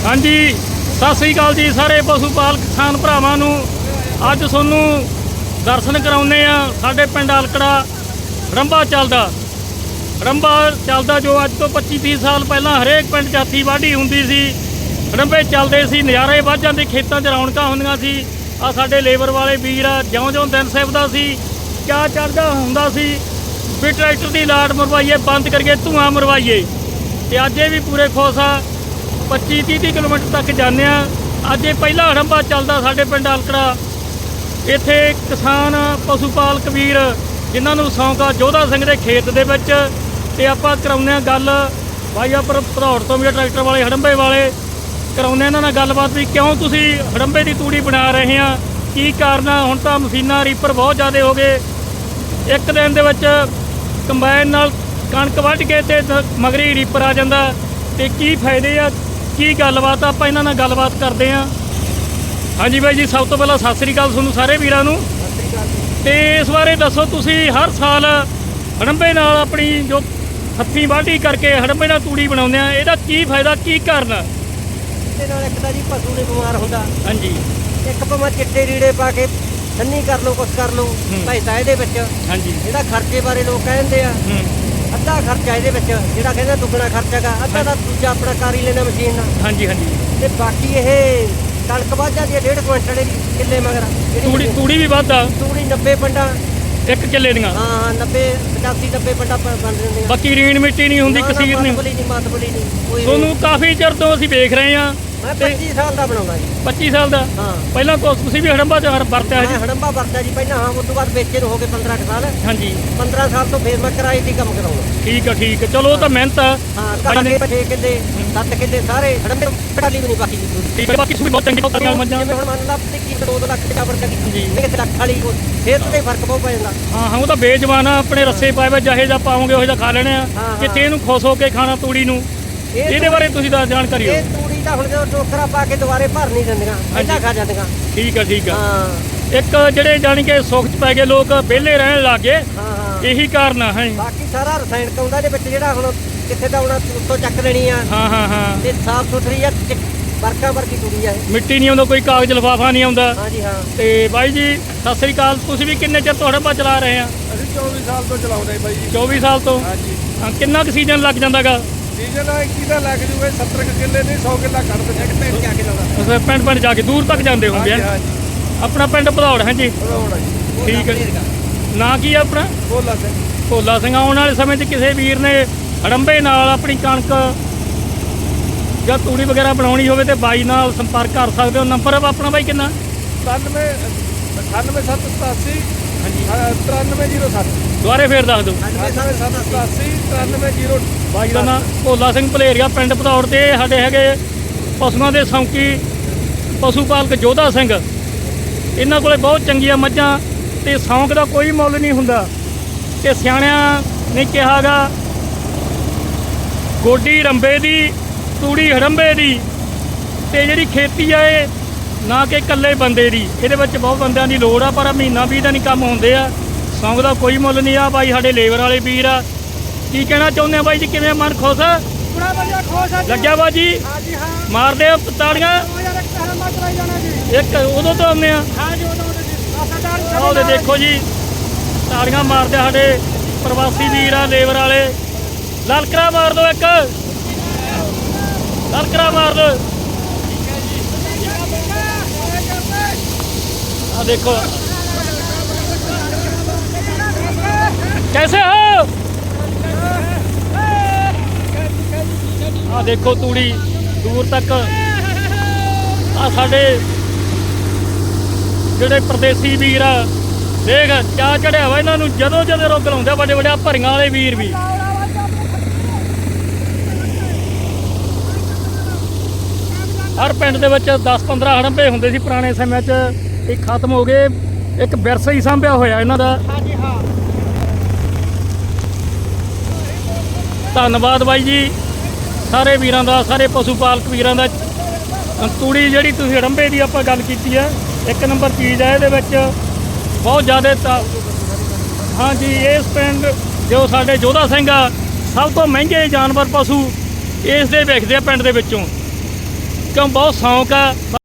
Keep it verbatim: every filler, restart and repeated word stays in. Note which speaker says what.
Speaker 1: हाँ जी सत श्री अकाल जी सारे पशु पालक किसान भरावां नूं अज तुहानूं दर्शन कराउने आ साडे पिंड अलकड़ा रंबा चलदा रंबा चलदा जो अज तो पच्ची तीस साल पहलां हरेक पिंड जाती वाढी हुंदी सी। रंबे चलदे सी नज़ारे वध जांदे खेतां 'च रौनकां हुंदियां सी। आ साडे लेबर वाले वीर आ ज्यों ज्यों दिन सिवदा सी क्या चढ़दा हुंदा सी भी ट्रैक्टर की लाट मरवाइए बंद करिए धुआं मरवाइए ते अज भी पूरे खुश आ पच्ची तीह तीह किलोमीटर तक जाने। अज पहला रंबा चलदा साडे पिंड अलकड़ा इत्थे किसान पशु पालक वीर जिन्हां नूं शौक आ जोधा सिंह दे खेत दे विच ते आपां कराउने गल भाई पर भदौड़ तो भी ट्रैक्टर वाले हड़ंबे वाले कराउने इन्हां नाल गलबात भी क्यों तुसीं हड़ंबे की तूड़ी बना रहे हैं की कारण आ। हुण तां मशीनां रीपर बहुत ज़्यादा हो गए एक दिन दे विच कंबाइन नाल कणक वढ के ते मगरी रीपर आ जांदा ते की फायदे आ की गलबात आपां इन्हां नाल गलबात करदे आ। हाँ जी बाई जी सब तो पहला सत श्री अकाल तुहानूं सारे वीरां नूं ते इस बारे दसो तुसीं हर साल हड़ंबे नाल अपनी जो हत्थीं वाढी करके हड़ंबे नाल तूड़ी बनाउंदे आ इहदा की फायदा की कारण आ।
Speaker 2: ਇਹਦੇ ਨਾਲ ਇੱਕ ਤਾਂ ਜੀ ਪਸ਼ੂ ਨਹੀਂ ਬਿਮਾਰ ਹੁੰਦਾ।
Speaker 1: ਹਾਂਜੀ
Speaker 2: ਇੱਕ ਭਾਵੇਂ ਚਿੱਟੇ ਰੀੜੇ ਪਾ ਕੇ ਸੰਨੀ ਕਰ ਲਓ ਕੁਛ ਕਰ ਲਓ ਪੈਸਾ ਇਹਦੇ ਵਿੱਚ।
Speaker 1: ਹਾਂਜੀ
Speaker 2: ਜਿਹੜਾ ਖਰਚੇ ਬਾਰੇ ਲੋਕ ਕਹਿੰਦੇ ਆ ਅੱਧਾ ਖਰਚਾ ਇਹਦੇ ਵਿੱਚ ਜਿਹੜਾ ਕਹਿੰਦਾ ਦੁੱਗਣਾ ਖਰਚਾ ਗਾ ਅੱਧਾ ਦਾ ਦੂਜਾ ਆਪਣਾ ਕਰ ਹੀ ਲੈਣਾ ਮਸ਼ੀਨ ਨਾਲ।
Speaker 1: ਹਾਂਜੀ ਹਾਂਜੀ
Speaker 2: ਤੇ ਬਾਕੀ ਇਹ ਕਣਕ ਵੱਧ ਜਾਂਦੀ ਹੈ ਡੇਢ ਕੁਇੰਟਲ ਦੀ ਕਿੱਲੇ ਮਗਰ
Speaker 1: ਤੂੜੀ ਤੂੜੀ ਵੀ ਵੱਧ ਆ
Speaker 2: ਤੂੜੀ ਨੱਬੇ ਪੰਡਾ
Speaker 1: ਇੱਕ ਕਿੱਲੇ ਦੀਆਂ।
Speaker 2: ਹਾਂ ਹਾਂ ਨੱਬੇ ਪਚਾਸੀ ਨੱਬੇ ਪੰਡਾ ਬਣ ਜਾਂਦੇ ਆ।
Speaker 1: ਬਾਕੀ ਰੀਣ ਮਿੱਟੀ ਨਹੀਂ ਹੁੰਦੀ ਕਸੀਰ ਨਹੀਂ
Speaker 2: ਨਹੀਂ ਮਾਤਬਲੀ ਨਹੀਂ ਕੋਈ
Speaker 1: ਤੁਹਾਨੂੰ ਕਾਫੀ ਚਿਰ ਤੋਂ ਅਸੀਂ ਵੇਖ ਰਹੇ ਹਾਂ।
Speaker 2: ਮੈਂ ਪੱਚੀ ਸਾਲ ਦਾ ਬਣਾਉਂਦਾ ਜੀ।
Speaker 1: ਪੱਚੀ ਸਾਲ ਦਾ
Speaker 2: ਹਾਂ
Speaker 1: ਪਹਿਲਾਂ ਕੋ ਤੁਸੀਂ ਵੀ ਹੜੰਬਾ ਚ ਵਰਤਿਆ
Speaker 2: ਮੈਂ
Speaker 1: ਜੀ।
Speaker 2: ਹੜੰਬਾ ਵਰਤਿਆ ਜੀ ਪਹਿਲਾਂ। ਹਾਂ ਉਸ ਤੋਂ ਬਾਅਦ ਵੇਚੇ ਨੂੰ ਹੋ ਗਏ ਪੰਦਰਾਂ ਕੁ ਸਾਲ।
Speaker 1: ਹਾਂਜੀ
Speaker 2: ਪੰਦਰਾਂ ਸਾਲ ਤੋਂ ਫੇਰ ਮੈਂ ਕਿਰਾਏ ਦੀ ਕੰਮ ਕਰਾਉਂਦਾ।
Speaker 1: ਠੀਕ ਆ ਠੀਕ ਆ ਚਲੋ ਉਹ ਤਾਂ ਮਿਹਨਤ ਆ।
Speaker 2: ਹਾਂ ਘਰ ਛੇ ਕਿੱਲੇ ਸੱਤ ਕਿੱਲੇ ਸਾਰੇ ਹੜੰਬੇ ਟਾਲੀ ਵੀ ਨਹੀਂ ਬਾਕੀ ਦੀ।
Speaker 1: ਠੀਕ ਆ ਬਾਕੀ ਸੂਈ ਬਹੁਤ ਚੰਗੀ ਪੱਕੀਆਂ ਮੱਝਾਂ।
Speaker 2: ਜਿਵੇਂ ਹੁਣ ਮੰਨ ਲਾ ਕਿ ਦੋ ਦੋ ਲੱਖ ਦੇ ਚਾਵਰ ਕਰੀ ਜੀ ਇੱਕ ਲੱਖ ਵਾਲੀ ਫੇਰ ਤੇ ਫਰਕ ਬਹੁਤ ਪੈ ਜਾਂਦਾ।
Speaker 1: ਹਾਂ ਹਾਂ ਉਹ ਤਾਂ ਬੇਜਵਾਨ ਆ ਆਪਣੇ ਰੱਸੇ ਪਾਏ ਵੇ ਜਿਹੇ ਜਾਂ ਪਾਓਗੇ ਉਹ ਜਿਹਾ ਖਾ ਲੈਣੇ ਆ। ਕਿਤੇ ਇਹਨੂੰ ਖੁਸ਼ ਹੋ ਕੇ ਖਾਣਾ ਤੂੜੀ ਨੂੰ ਇਹਦੇ ਬਾਰੇ ਤੁਸੀਂ ਤਾਂ ਜਾਣਕਾਰੀ ਹੋ।
Speaker 2: ਇਹ ਤੂੜੀ ਤਾਂ ਹੁਣ ਜਦੋਂ ਟੋਕਰਾ ਪਾ ਕੇ ਦੁਬਾਰੇ ਭਰ ਨਹੀਂ ਦਿੰਦੀਆਂ ਪਹਿਲਾਂ ਖਾ ਜਾਂਦੀਆਂ।
Speaker 1: ਠੀਕ ਆ ਠੀਕ ਆ
Speaker 2: ਹਾਂ
Speaker 1: ਇੱਕ ਜਿਹੜੇ ਜਾਣੀ ਕਿ ਸੁੱਖ ਚ ਪੈ ਗਏ ਲੋਕ ਵਿਹਲੇ ਰਹਿਣ ਲੱਗ ਗਏ
Speaker 2: ਹਾਂ ਹਾਂ
Speaker 1: ਇਹੀ ਕਾਰਨ ਆ। ਹੈ
Speaker 2: ਬਾਕੀ ਸਾਰਾ ਰਸਾਇਣਕ ਆਉਂਦਾ ਇਹਦੇ ਵਿੱਚ ਜਿਹੜਾ ਹੁਣ ਕਿੱਥੇ ਤਾਂ ਹੁਣ ਉੱਤੋਂ ਚੱਕ ਲੈਣੀ ਆ।
Speaker 1: ਹਾਂ ਹਾਂ ਹਾਂ
Speaker 2: ਤੇ ਸਾਫ ਸੁਥਰੀ ਆ ਵਰਕਾ ਵਰਗੀ ਤੂੜੀ ਆ।
Speaker 1: ਮਿੱਟੀ ਨਹੀਂ ਆਉਂਦਾ ਕੋਈ ਕਾਗਜ਼ ਲਿਫਾਫਾ ਨਹੀਂ ਆਉਂਦਾ।
Speaker 2: ਹਾਂਜੀ ਹਾਂ
Speaker 1: ਤੇ ਬਾਈ ਜੀ ਸਤਿ ਸ੍ਰੀ ਅਕਾਲ ਤੁਸੀਂ ਵੀ ਕਿੰਨੇ ਚਿਰ ਤੋਂ ਹੜੰਬਾ ਚਲਾ ਰਹੇ ਆ।
Speaker 3: ਅਸੀਂ ਚੌਵੀ ਸਾਲ ਤੋਂ ਚਲਾਉਂਦੇ ਬਾਈ ਜੀ।
Speaker 1: ਚੌਵੀ ਸਾਲ ਤੋਂ
Speaker 3: ਹਾਂਜੀ
Speaker 1: ਹਾਂ ਕਿੰਨਾ ਕੁ ਸੀਜ਼ਨ ਲੱਗ ਜਾਂਦਾਗਾ।
Speaker 3: ਸੀਜ਼ਨ ਆ ਇੱਕੀ ਦਾ ਲੱਗ ਜੂਗਾ ਸੱਤਰ ਕੁ ਕਿੱਲੇ ਨਹੀਂ ਸੌ ਕਿੱਲਾ ਕੱਢ ਦਿੰਦੇ ਇੱਕ ਪਿੰਡ ਜਾ ਕੇ ਲਾਉਂਦਾ।
Speaker 1: ਅੱਛਾ ਪਿੰਡ ਪਿੰਡ ਜਾ ਕੇ ਦੂਰ ਤੱਕ ਜਾਂਦੇ ਹੋਣਗੇ।
Speaker 3: ਹਾਂਜੀ ਹਾਂਜੀ
Speaker 1: ਆਪਣਾ ਪਿੰਡ ਭਦੌੜ ਹੈ ਜੀ।
Speaker 3: ਭਦੌੜ ਜੀ।
Speaker 1: ਠੀਕ ਹੈ ਨਾਂ ਕੀ ਆ ਆਪਣਾ।
Speaker 3: ਭੋਲਾ ਸਿੰਘ।
Speaker 1: ਭੋਲਾ ਸਿੰਘ ਆਉਣ ਵਾਲੇ ਸਮੇਂ 'ਚ ਕਿਸੇ ਵੀਰ ਨੇ ਹੜੰਬੇ ਨਾਲ ਆਪਣੀ ਕਣਕ ਜਾਂ ਤੂੜੀ ਵਗੈਰਾ ਬਣਾਉਣੀ ਹੋਵੇ ਤੇ ਬਾਈ ਨਾਲ ਸੰਪਰਕ ਕਰ ਸਕਦੇ ਹੋ। ਨੰਬਰ ਆਪਣਾ ਬਾਈ ਕਿੰਨਾ।
Speaker 3: ਸਤਾਨਵੇਂ ਅਠਾਨਵੇਂ ਸੱਤ ਸਤਾਸੀ
Speaker 1: ਹਾਂਜੀ
Speaker 3: ਤਰਾਨਵੇਂ ਜੀਰੋ ਸੱਤ।
Speaker 1: ਦੁਬਾਰੇ ਫੇਰ ਦੱਸ ਦਿਓ।
Speaker 3: ਅਠਾਨਵੇਂ ਸੱਤ ਸਤਾਸੀ ਤਰਾਨਵੇਂ ਜੀਰੋ।
Speaker 1: ਬਾਈ ਦਾ ਨਾਂ ਭੋਲਾ ਸਿੰਘ ਭਲੇਰੀਆ ਪਿੰਡ ਭਦੌੜ ਤੇ ਸਾਡੇ ਹੈਗੇ ਪਸ਼ੂਆਂ ਦੇ ਸੌਂਕੀ ਪਸ਼ੂ ਪਾਲਕ ਜੋਧਾ ਸਿੰਘ। ਇਹਨਾਂ ਕੋਲੇ ਬਹੁਤ ਚੰਗੀਆਂ ਮੱਝਾਂ ਤੇ ਸੌਂਕ ਦਾ ਕੋਈ ਮੁੱਲ ਨਹੀਂ ਹੁੰਦਾ। ਤੇ ਸਿਆਣਿਆਂ ਨੇ ਕਿਹਾ ਗਾ ਗੋਡੀ ਰੰਬੇ ਦੀ ਤੂੜੀ ਹੜੰਬੇ ਦੀ ਤੇ ਜਿਹੜੀ ਖੇਤੀ ਆ ਇਹ ਨਾ ਕਿ ਇਕੱਲੇ ਬੰਦੇ ਦੀ ਇਹਦੇ ਵਿੱਚ ਬਹੁਤ ਬੰਦਿਆਂ ਦੀ ਲੋੜ ਆ ਪਰ ਮਹੀਨਾ ਵੀਹ ਦਿਨ ਹੀ ਕੰਮ ਹੁੰਦੇ ਆ। ਸੌਂਕ ਦਾ ਕੋਈ ਮੁੱਲ ਨਹੀਂ ਆ। ਬਾਈ ਸਾਡੇ ਲੇਬਰ ਵਾਲੇ ਵੀਰ ਆ ਕੀ ਕਹਿਣਾ ਚਾਹੁੰਦੇ ਆ ਬਾਈ ਜੀ ਕਿਵੇਂ ਮਨ ਖੁਸ਼ ਆ।
Speaker 2: ਬੜਾ ਵਧੀਆ ਖੁਸ਼ ਆ
Speaker 1: ਲੱਗਿਆ ਬਾਜੀ
Speaker 2: ਹਾਂਜੀ ਹਾਂ
Speaker 1: ਮਾਰਦੇ ਆ ਤਾੜੀਆਂ ਇੱਕ ਉਦੋਂ ਤੋਂ ਆਉਂਦੇ ਆ।
Speaker 2: ਹਾਂਜੀ ਉਦੋਂ
Speaker 1: ਉਹਦੇ ਦੇਖੋ ਜੀ ਤਾੜੀਆਂ ਮਾਰਦੇ ਸਾਡੇ ਪ੍ਰਵਾਸੀ ਵੀਰ ਆ ਲੇਬਰ ਵਾਲੇ। ਲਲਕਰਾ ਮਾਰ ਦਿਓ ਇੱਕ ਲਲਕਰਾ ਮਾਰ ਦਿਓ। ਆ ਦੇਖੋ कैसे हो। आ देखो तूड़ी दूर तक आ साडे ਜਿਹੜੇ परदेसी ਵੀਰ ਆ देख ਚਾਹ ਚੜਿਆ ਵਾ ਇਹਨਾਂ ਨੂੰ ਜਦੋਂ ਜਦੋਂ ਰੋਗ ਲਾਉਂਦੇ ਵੱਡੇ ਵੱਡੇ ਭਰੀਆਂ ਵਾਲੇ ਵੀਰ ਵੀ। ਹਰ ਪਿੰਡ ਦੇ ਵਿੱਚ ਦਸ ਪੰਦਰਾਂ ਹੜੰਬੇ ਹੁੰਦੇ ਸੀ ਪੁਰਾਣੇ ਸਮੇਂ 'ਚ ਇਹ ਖਤਮ ਹੋ ਗਏ। ਇੱਕ ਵਿਰਸਾ ਹੀ ਸਾਂਭਿਆ ਹੋਇਆ ਇਹਨਾਂ ਦਾ।
Speaker 2: ਹਾਂਜੀ ਹਾਂ
Speaker 1: ਧੰਨਵਾਦ ਬਾਈ ਜੀ ਸਾਰੇ ਵੀਰਾਂ ਦਾ ਸਾਰੇ ਪਸ਼ੂ ਪਾਲਕ ਵੀਰਾਂ ਦਾ। ਤੂੜੀ ਜਿਹੜੀ ਤੁਸੀਂ ਹੜੰਬੇ ਦੀ ਆਪਾਂ ਗੱਲ ਕੀਤੀ ਹੈ ਇੱਕ ਨੰਬਰ ਚੀਜ਼ ਹੈ ਇਹਦੇ ਵਿੱਚ ਬਹੁਤ ਜ਼ਿਆਦਾ। ਹਾਂਜੀ ਇਸ ਪਿੰਡ ਜੋ ਸਾਡੇ ਜੋਧਾ ਸਿੰਘ ਆ ਸਭ ਤੋਂ ਮਹਿੰਗੇ ਜਾਨਵਰ ਪਸ਼ੂ ਇਸ ਦੇ ਵਿਕਦੇ ਆ ਪਿੰਡ ਦੇ ਵਿੱਚੋਂ। ਕਿਉਂ ਬਹੁਤ ਸ਼ੌਂਕ ਆ